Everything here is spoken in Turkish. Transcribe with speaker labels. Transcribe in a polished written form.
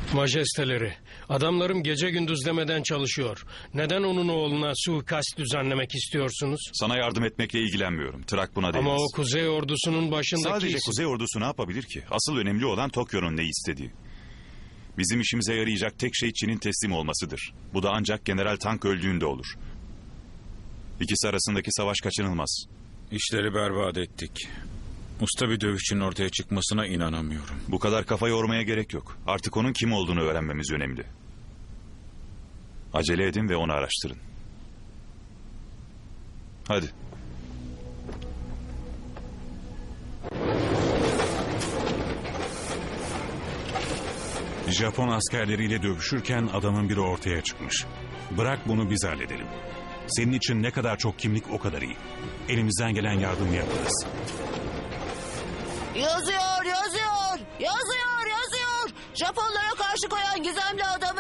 Speaker 1: Majesteleri, adamlarım gece gündüz demeden çalışıyor. Neden onun oğluna suikast düzenlemek istiyorsunuz?
Speaker 2: Sana yardım etmekle ilgilenmiyorum. Trak buna değmez.
Speaker 1: Ama o Kuzey Ordusu'nun başındaki
Speaker 2: Sadece
Speaker 1: isim.
Speaker 2: Kuzey Ordusu ne yapabilir ki? Asıl önemli olan Tokyo'nun ne istediği. Bizim işimize yarayacak tek şey Çin'in teslim olmasıdır. Bu da ancak General Tank öldüğünde olur. İkisi arasındaki savaş kaçınılmaz.
Speaker 3: İşleri berbat ettik. Usta bir dövüşçünün ortaya çıkmasına inanamıyorum.
Speaker 2: Bu kadar kafa yormaya gerek yok. Artık onun kim olduğunu öğrenmemiz önemli. Acele edin ve onu araştırın. Hadi.
Speaker 4: Japon askerleriyle dövüşürken adamın biri ortaya çıkmış. Bırak bunu biz halledelim. Senin için ne kadar çok kimlik o kadar iyi. Elimizden gelen yardımı yaparız.
Speaker 5: Yazıyor. Japonlara karşı koyan gizemli adamı